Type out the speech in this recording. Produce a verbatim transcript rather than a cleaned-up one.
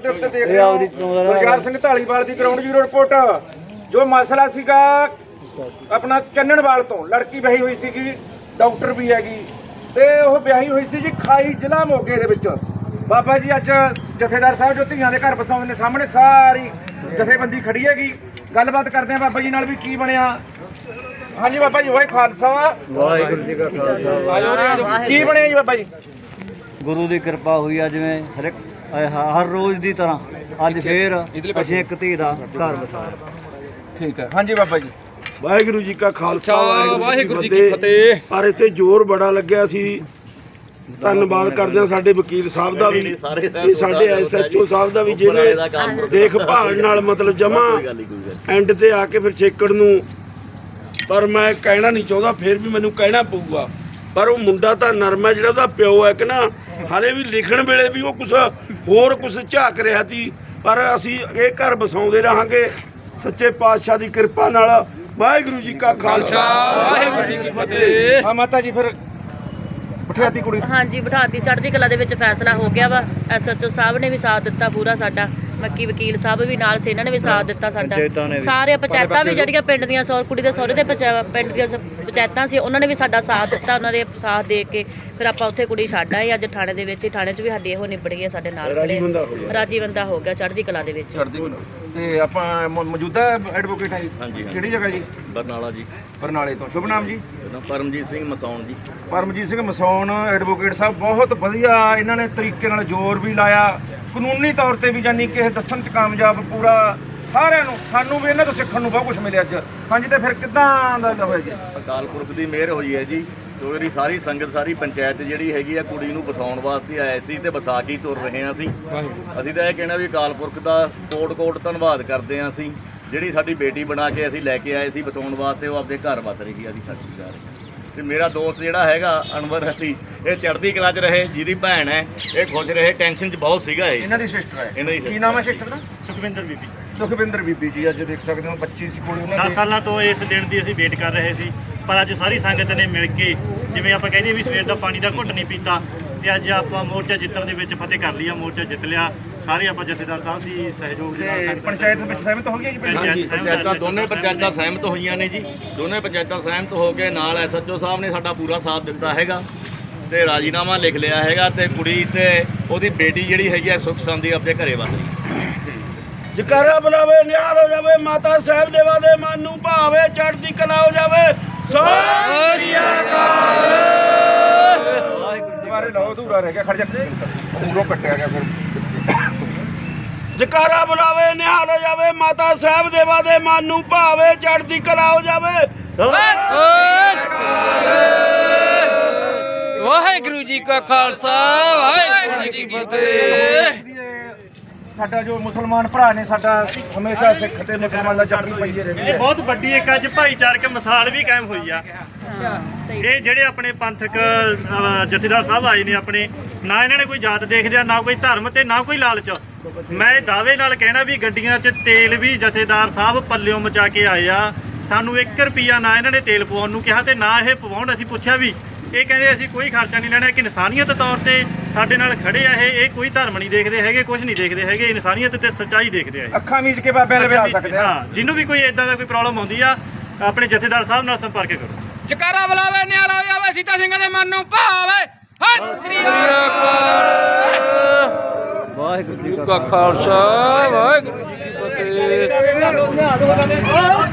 ਦੇ ਉੱਤੇ ਦੇਖ ਰਹੇ ਹੋ ਗੁਰਜਾਰ ਸਿੰਘ ਢਾਲੀਵਾਲ ਦੀ ਗਰਾਊਂਡ ਜ਼ੀਰੋ ਰਿਪੋਰਟ। ਜੋ ਮਸਲਾ ਸੀਗਾ ਆਪਣਾ ਚੰਨਣਵਾਲ ਤੋਂ, ਲੜਕੀ ਵਿਆਹੀ ਹੋਈ ਸੀਗੀ, ਡਾਕਟਰ ਵੀ ਹੈਗੀ, ਤੇ ਉਹ ਵਿਆਹੀ ਹੋਈ ਸੀ ਜੀ ਖਾਈ ਜ਼ਿਲ੍ਹਾ ਮੋਗੇ ਦੇ ਵਿੱਚ। ਬਾਬਾ ਜੀ ਅੱਜ ਜਥੇਦਾਰ ਸਾਹਿਬ ਜੋ ਧੀਆਂ ਦੇ ਘਰ ਵਸਾਉਂਦੇ ਨੇ ਸਾਹਮਣੇ ਸਾਰੀ ਜਥੇਬੰਦੀ ਖੜੀ ਹੈਗੀ, ਗੱਲਬਾਤ ਕਰਦੇ ਆ ਬਾਬਾ ਜੀ ਨਾਲ ਵੀ ਕੀ ਬਣਿਆ। ਹਾਂਜੀ ਬਾਬਾ ਜੀ, ਵਾਹਿ ਖਾਲਸਾ ਵਾਹਿਗੁਰੂ ਜੀ ਕਾ ਖਾਲਸਾ। ਕੀ ਬਣਿਆ ਜੀ ਬਾਬਾ ਜੀ? ਗੁਰੂ ਦੀ ਕਿਰਪਾ ਹੋਈ ਆ, ਜਿਵੇਂ ਹਰ ਇੱਕ ਹਰ ਰੋਜ਼ ਦੀ ਤਰ੍ਹਾਂ ਅੱਜ ਫੇਰ ਅਸੀਂ ਇੱਕ ਧੀ ਦਾ ਘਰ ਵਸਾਇਆ। ਠੀਕ ਹੈ। ਹਾਂਜੀ ਬਾਬਾ ਜੀ। ਵਾਹਿਗੁਰੂ ਜੀ ਕਾ ਖਾਲਸਾ ਵਾਹਿਗੁਰੂ ਜੀ ਕੀ ਫਤਿਹ। ਪਰ ਇੱਥੇ ਜ਼ੋਰ ਬੜਾ ਲੱਗਿਆ ਸੀ। ਧੰਨਵਾਦ ਕਰਦੇ ਹਾਂ ਸਾਡੇ ਵਕੀਲ ਸਾਹਿਬ ਦਾ ਵੀ ਤੇ ਸਾਡੇ ਐਸ ਐਚ ਓ ਸਾਹਿਬ ਦਾ ਵੀ, ਜਿਹਨੇ ਦੇਖਭਾਲ ਨਾਲ ਮਤਲਬ ਜਮਾ ਐਂਡ ਤੇ ਆ ਕੇ ਫਿਰ ਛੇਕੜ ਨੂੰ। ਪਰ ਮੈਂ ਕਹਿਣਾ ਨਹੀਂ ਚਾਹੁੰਦਾ, ਫਿਰ ਵੀ ਮੈਨੂੰ ਕਹਿਣਾ ਪਊਗਾ। ਪਰ ਉਹ ਮੁੰਡਾ ਤਾਂ ਨਰਮ ਹੈ, ਜਿਹੜਾ ਉਹਦਾ ਪਿਓ ਹੈ ਕਿ ਨਾ, ਹਾਲੇ ਵੀ ਲਿਖਣ ਵੇਲੇ ਵੀ ਉਹ ਕੁਛ ਹੋਰ ਕੁਛ ਝਾਕ ਰਿਹਾ ਸੀ। ਪਰ ਅਸੀਂ ਇਹ ਘਰ ਵਸਾਉਂਦੇ ਰਹਾਂਗੇ ਸੱਚੇ ਪਾਤਸ਼ਾਹ ਦੀ ਕਿਰਪਾ ਨਾਲ। ਵਾਹਿਗੁਰੂ ਜੀ ਕਾ ਖਾਲਸਾ ਵਾਹਿਗੁਰੂ ਜੀ ਕੀ ਫਤਿਹ। ਹਾਂ ਮਾਤਾ ਜੀ, ਫਿਰ ਬਿਠਾਤੀ ਕੁੜੀ? ਹਾਂਜੀ ਬਿਠਾਤੀ। ਚੜ੍ਹਦੀ ਕਲਾ ਦੇ ਵਿੱਚ ਫੈਸਲਾ ਹੋ ਗਿਆ ਵਾ। ਐਸ ਐਚ ਓ ਸਾਹਿਬ ਨੇ ਵੀ ਸਾਥ ਦਿੱਤਾ ਪੂਰਾ ਸਾਡਾ, ਮੱਕੀ ਵਕੀਲ ਸਾਹਿਬ ਵੀ ਨਾਲ ਸੀ, ਇਹਨਾਂ ਨੇ ਵੀ ਸਾਥ ਦਿੱਤਾ ਸਾਡਾ। ਸਾਰੇ ਪੰਚਾਇਤਾਂ ਵੀ ਜਿਹੜੀਆਂ ਪਿੰਡ ਦੀਆਂ ਸੌ ਕੁੜੀ ਦੇ ਸਹੁਰੇ ਦੇ ਪਿੰਡ ਦੀਆਂ ਪੰਚਾਇਤਾਂ ਸੀ, ਉਹਨਾਂ ਨੇ ਵੀ ਸਾਡਾ ਸਾਥ ਦਿੱਤਾ। ਉਹਨਾਂ ਦੇ ਸਾਥ ਦੇ ਕੇ ਫਿਰ ਆਪਾਂ ਉੱਥੇ ਕੁੜੀ ਛੱਡ ਆਏ। ਅੱਜ ਥਾਣੇ ਦੇ ਵਿੱਚ ਹੀ, ਥਾਣੇ 'ਚ ਵੀ ਸਾਡੀ ਇਹੋ ਨਿਬੜ ਗਈ ਸਾਡੇ ਨਾਲ। ਰਾਜੀ ਬੰਦਾ ਹੋ ਗਿਆ ਚੜ੍ਹਦੀ ਕਲਾ ਦੇ ਵਿੱਚ। ਤੇ ਆਪਾਂ ਮੌਜੂਦਾ ਐਡਵੋਕੇਟ ਆ ਜੀ? ਹਾਂਜੀ। ਕਿਹੜੀ ਜਗ੍ਹਾ ਜੀ? ਬਰਨਾਲਾ ਜੀ। ਬਰਨਾਲੇ ਤੋਂ। ਸ਼ੁਭ ਨਾਮ ਜੀ? ਪਰਮਜੀਤ ਸਿੰਘ ਮਸੌਣ ਜੀ। ਪਰਮਜੀਤ ਸਿੰਘ ਮਸੌਣ ਐਡਵੋਕੇਟ ਸਾਹਿਬ, ਬਹੁਤ ਵਧੀਆ ਇਹਨਾਂ ਨੇ ਤਰੀਕੇ ਨਾਲ ਜ਼ੋਰ ਵੀ ਲਾਇਆ, ਕਾਨੂੰਨੀ ਤੌਰ ਤੇ ਵੀ, ਜਾਨੀ ਕਿ ਇਹ ਦੱਸਣ 'ਚ ਕਾਮਯਾਬ ਪੂਰਾ ਸਾਰਿਆਂ ਨੂੰ। ਸਾਨੂੰ ਵੀ ਇਹਨਾਂ ਤੋਂ ਸਿੱਖਣ ਨੂੰ ਬਹੁਤ ਕੁਝ ਮਿਲਿਆ ਅੱਜ। ਹਾਂਜੀ, ਤੇ ਫਿਰ ਕਿੱਦਾਂ ਦਾ ਹੋਇਆ ਜੀ? ਅਕਾਲ ਪੁਰਖ ਦੀ ਮਿਹਰ ਹੋਈ ਹੈ ਜੀ। ਜੋ ਮੇਰੀ ਸਾਰੀ ਸੰਗਤ, ਸਾਰੀ ਪੰਚਾਇਤ ਜਿਹੜੀ ਹੈਗੀ ਆ, ਕੁੜੀ ਨੂੰ ਵਸਾਉਣ ਵਾਸਤੇ ਆਏ ਸੀ ਤੇ ਵਸਾ ਕੇ ਤੁਰ ਰਹੇ ਹਾਂ ਅਸੀਂ। ਅਸੀਂ ਤਾਂ ਇਹ ਕਹਿਣਾ ਵੀ ਅਕਾਲ ਪੁਰਖ ਦਾ ਕੋਟ ਕੋਟ ਧੰਨਵਾਦ ਕਰਦੇ ਹਾਂ ਅਸੀਂ। ਜਿਹੜੀ ਸਾਡੀ ਬੇਟੀ ਬਣਾ ਕੇ ਅਸੀਂ ਲੈ ਕੇ ਆਏ ਸੀ ਵਸਾਉਣ ਵਾਸਤੇ, ਉਹ ਆਪਦੇ ਘਰ ਵਸ ਰਹੀ ਆ ਜੀ ਸਾਡੀ ਜਾ ਰਹੀ। ਤੇ ਮੇਰਾ ਦੋਸਤ ਜਿਹੜਾ ਹੈਗਾ ਅਨਵਰ ਅਸੀਂ, ਇਹ ਚੜ੍ਹਦੀ ਕਲਾ 'ਚ ਰਹੇ, ਜਿਹਦੀ ਭੈਣ ਹੈ ਇਹ ਖੁਸ਼ ਰਹੇ। ਟੈਨਸ਼ਨ 'ਚ ਬਹੁਤ ਸੀਗਾ ਇਹ। ਇਹਨਾਂ ਦੀ ਸਿਸਟਰ ਹੈ? ਇਹਨਾਂ ਦੀ। ਕੀ ਨਾਮ ਹੈ ਸਿਸਟਰ ਦਾ? ਸੁਖਵਿੰਦਰ ਬੀਬੀ। ਸੁਖਵਿੰਦਰ ਬੀਬੀ ਜੀ, ਅੱਜ ਦੇਖ ਸਕਦੇ ਹੋ ਬੱਚੀ ਸੀ ਕੋਲ ਉਹਨਾਂ ਦਸ ਦੇ। ਸਾਲਾਂ ਤੋਂ ਇਸ ਦਿਨ ਦੀ ਅਸੀਂ ਵੇਟ ਕਰ ਰਹੇ ਸੀ, ਪਰ ਅੱਜ ਸਾਰੀ ਸੰਗਤ ਨੇ ਮਿਲ ਕੇ, ਜਿਵੇਂ ਆਪਾਂ ਕਹਿੰਦੇ ਵੀ ਸਵੇਰ ਦਾ ਪਾਣੀ ਦਾ ਘੁੱਟ ਨਹੀਂ ਪੀਤਾ, ਤੇ ਅੱਜ ਆਪਾਂ ਮੋਰਚਾ ਜਿੱਤਣ ਦੇ ਵਿੱਚ ਫਤਿਹ ਕਰ ਲਿਆ। ਮੋਰਚਾ ਜਿੱਤ ਲਿਆ। ਸਾਰੇ ਆਪਾਂ ਜਥੇਦਾਰ ਸਾਹਿਬ ਦੀ ਸਹਿਯੋਗ ਦੇ ਨਾਲ। ਤੇ ਪੰਚਾਇਤ ਵਿੱਚ ਸਹਿਮਤ ਹੋ ਗਈ ਜੀ? ਪੰਚਾਇਤਾਂ ਦੋਨੇ ਪੰਚਾਇਤਾਂ ਸਹਿਮਤ ਹੋਈਆਂ ਨੇ ਜੀ। ਦੋਨੇ ਪੰਚਾਇਤਾਂ ਸਹਿਮਤ ਹੋ ਕੇ ਨਾਲ ਐਸ ਐਚ ਓ ਸਾਹਿਬ ਨੇ ਸਾਡਾ ਪੂਰਾ ਸਾਥ ਦਿੱਤਾ ਹੈਗਾ ਤੇ ਰਾਜੀਨਾਮਾ ਲਿਖ ਲਿਆ ਹੈਗਾ। ਤੇ ਕੁੜੀ ਤੇ ਉਹਦੀ ਬੇਟੀ ਜਿਹੜੀ ਹੈਗੀ ਆ ਸੁੱਖ ਸੰਦੀ ਆਪਣੇ ਘਰੇ ਵਸ ਰਹੀ। ਜਕਾਰਾ ਬੁਲਾਵੇ ਨਿਹਾਲ ਹੋ ਜਾਵੇ, ਮਾਤਾ ਸਾਹਿਬ ਦੇਵਾ ਦੇ ਮਨ ਨੂੰ ਭਾਵੇ, ਚੜ੍ਹਦੀ ਕਲਾ ਹੋ ਜਾਵੇ। ਸਤਿ ਸ੍ਰੀ ਅਕਾਲ। ਦੁਬਾਰੇ ਲਾਓ, ਅਧੂਰਾ ਰਹਿ ਗਿਆ, ਖੜ ਜਾ ਪੂਰੋਂ ਕੱਟਿਆ ਗਿਆ। ਫਿਰ ਜਕਾਰਾ ਬੁਲਾਵੇ ਨਿਹਾਲ ਹੋ ਜਾਵੇ, ਮਾਤਾ ਸਾਹਿਬ ਦੇਵਾ ਦੇ ਮਨ ਨੂੰ ਭਾਵੇ, ਚੜ੍ਹਦੀ ਕਲਾ ਹੋ ਜਾਵੇ। ਵਾਹਿਗੁਰੂ ਜੀ ਕਾ ਖਾਲਸਾ ਵਾਹਿਗੁਰੂ ਜੀ ਕੀ ਫਤਿਹ। ਸਾਡਾ ਜੋ ਮੁਸਲਮਾਨ ਭਰਾ ਨੇ, ਸਾਡਾ ਹਮੇਸ਼ਾ ਸਿੱਖ ਤੇ ਮੁਸਲਮਾਨ ਦਾ ਜੱਫੀ ਪਈਏ ਰਹਿੰਦੀ ਇਹ ਹੈ। ਬਹੁਤ ਵੱਡੀ ਇੱਕ ਅੱਜ ਭਾਈਚਾਰਕ ਮਿਸਾਲ ਵੀ ਕਾਇਮ ਹੋਈ ਆ। ਇਹ ਜਿਹੜੇ ਆਪਣੇ ਪੰਥਕ ਅ, ਜਥੇਦਾਰ ਸਾਹਿਬ ਆਏ ਨੇ ਆਪਣੇ, ਨਾ ਇਹਨਾਂ ਨੇ ਕੋਈ ਜਾਤ ਦੇਖਦੇ ਆ, ਨਾ ਕੋਈ ਧਰਮ ਤੇ ਨਾ ਕੋਈ ਲਾਲਚ। ਮੈਂ ਦਾਅਵੇ ਨਾਲ ਕਹਿਣਾ ਵੀ ਗੱਡੀਆਂ 'ਚ ਤੇਲ ਵੀ ਜਥੇਦਾਰ ਸਾਹਿਬ ਪੱਲਿਓਂ ਮਚਾ ਕੇ ਆਏ ਆ। ਸਾਨੂੰ ਇੱਕ ਰੁਪਈਆ ਨਾ ਇਹਨਾਂ ਨੇ ਤੇਲ ਪਵਾਉਣ ਨੂੰ ਕਿਹਾ ਤੇ ਨਾ ਇਹ ਪਵਾਉਣ। ਅਸੀਂ ਪੁੱਛਿਆ ਵੀ, ਇਹ ਕਹਿੰਦੇ ਅਸੀਂ ਕੋਈ ਖਰਚਾ ਨਹੀਂ ਲੈਣਾ, ਕਿ ਇਨਸਾਨੀਅਤ ਤੌਰ ਤੇ ਸਾਡੇ ਨਾਲ ਖੜੇ ਆ। ਇਹ ਇਹ ਕੋਈ ਧਰਮ ਨਹੀਂ ਦੇਖਦੇ ਹੈਗੇ, ਕੁਝ ਨਹੀਂ ਦੇਖਦੇ ਹੈਗੇ, ਇਨਸਾਨੀਅਤ ਤੇ ਸੱਚਾਈ ਦੇਖਦੇ ਆ। ਅੱਖਾਂ ਮੀਚ ਕੇ ਬਾਬਿਆਂ ਲਵੇ ਆ ਸਕਦੇ ਆ। ਹਾਂ, ਜਿਹਨੂੰ ਵੀ ਕੋਈ ਇਦਾਂ ਦਾ ਕੋਈ ਪ੍ਰੋਬਲਮ ਆਉਂਦੀ ਆ, ਆਪਣੇ ਜਥੇਦਾਰ ਸਾਹਿਬ ਨਾਲ ਸੰਪਰਕ ਕਰੋ। ਜਕਾਰਾ ਬੁਲਾਵੇ ਨਿਹਾਲ ਹੋ ਜਾਵੇ, ਸੀਤਾ ਸਿੰਘਾਂ ਦੇ ਮਨ ਨੂੰ ਭਾਵੇ। ਸਤਿ ਸ੍ਰੀ ਅਕਾਲ। ਵਾਹਿਗੁਰੂ ਜੀ ਕਾ ਖਾਲਸਾ ਵਾਹਿਗੁਰੂ ਜੀ ਕੀ ਫਤਿਹ।